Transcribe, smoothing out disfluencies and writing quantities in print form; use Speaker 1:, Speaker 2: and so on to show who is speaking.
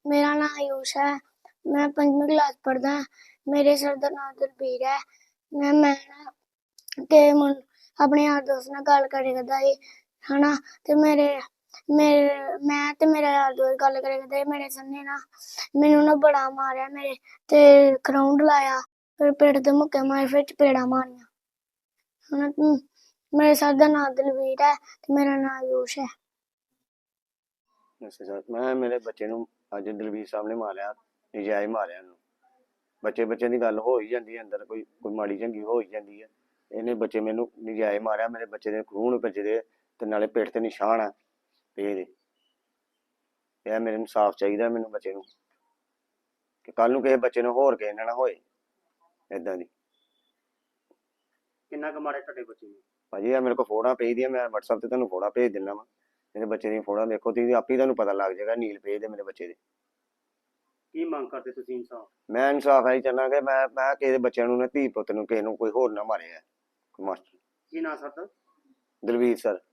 Speaker 1: मेरा नाम आयुष है। मैं 5वीं क्लास पढ़दा। मेरे सर दा नाम दलबीर है। मैं ना ते अपने यार दोस्त नाल गल करे करदा ही हना ते मेरे मैं ते मेरा यार दोस्त गल करे करदा ही मेरे सर ने ना मैनू ना बड़ा मारेआ मेरे ते ग्राउंड लाया फिर पेट ते मुक्के मारे फिर चपेड़ा मारियां हना। मेरे सर दा नाम दलबीर है ते मेरा नाम आयुष है।
Speaker 2: ਅੱਛਾ ਸਰ ਮੈਂ ਮੇਰੇ ਬੱਚੇ ਨੂੰ ਅੱਜ ਦਲਵੀਰ ਸਾਹਿਬ ਨੇ ਮਾਰਿਆ, ਨਜਾਇਜ਼ ਮਾਰਿਆ ਇਹਨੂੰ। ਬੱਚੇ ਦੀ ਗੱਲ ਹੋ ਹੀ ਜਾਂਦੀ ਹੈ, ਅੰਦਰ ਕੋਈ ਮਾੜੀ ਚੰਗੀ ਹੋ ਹੀ ਜਾਂਦੀ ਹੈ। ਇਹਨੇ ਬੱਚੇ ਮੈਨੂੰ ਨਜਾਇਜ਼ ਮਾਰਿਆ, ਮੇਰੇ ਬੱਚੇ ਦੇ ਖੂਨ ਭੱਜਦੇ ਤੇ ਨਾਲੇ ਪਿੱਠ ਤੇ ਨਿਸ਼ਾਨ ਆ ਇਹਦੇ। ਇਹ ਮੇਰੇ ਇਨਸਾਫ ਚਾਹੀਦਾ ਮੈਨੂੰ ਬੱਚੇ ਨੂੰ, ਕਿ ਕੱਲ ਨੂੰ ਕਿਸੇ ਬੱਚੇ ਨੂੰ ਹੋਰ ਕਿਸੇ ਨਾਲ ਹੋਏ ਏਦਾਂ ਦੀ।
Speaker 3: ਕਿੰਨਾ ਕੁ ਮਾਰੇ ਤੁਹਾਡੇ ਬੱਚੇ ਨੂੰ?
Speaker 2: ਭਾਜੀ ਇਹ ਮੇਰੇ ਕੋਲ ਫੋਟੋਆਂ ਭੇਜਦੀਆਂ, ਮੈਂ WhatsApp ਤੇ ਤੁਹਾਨੂੰ ਫੋਟੋਆਂ ਭੇਜ ਦਿੰਦਾ ਵਾ। ਮੇਰੇ ਬੱਚੇ ਦੀਆਂ ਫੋਟੋਆਂ ਦੇਖੋ ਤੁਸੀਂ, ਆਪੇ ਤੁਹਾਨੂੰ ਪਤਾ ਲੱਗ ਜਾਏਗਾ। ਨੀਲ ਭੇਜ ਦੇ ਮੇਰੇ ਬੱਚੇ ਦੇ।
Speaker 3: ਕੀ ਮੰਗ ਕਰਦੇ ਤੁਸੀਂ ਇਨਸਾਫ?
Speaker 2: ਮੈਂ ਇਨਸਾਫ ਇਹੀ ਚਾਹੁੰਦਾ ਕਿ ਮੈਂ ਕਿਸੇ ਬੱਚਿਆਂ ਨੂੰ ਨਾ, ਧੀ ਪੁੱਤ ਨੂੰ ਕਿਸੇ ਨੂੰ ਕੋਈ ਹੋਰ ਨਾ ਮਾਰੇ। ਮਾਸਟਰ
Speaker 3: ਕੀ ਨਾਂ ਸਰ ਦਾ?
Speaker 2: ਦਲਵੀਰ ਸਰ।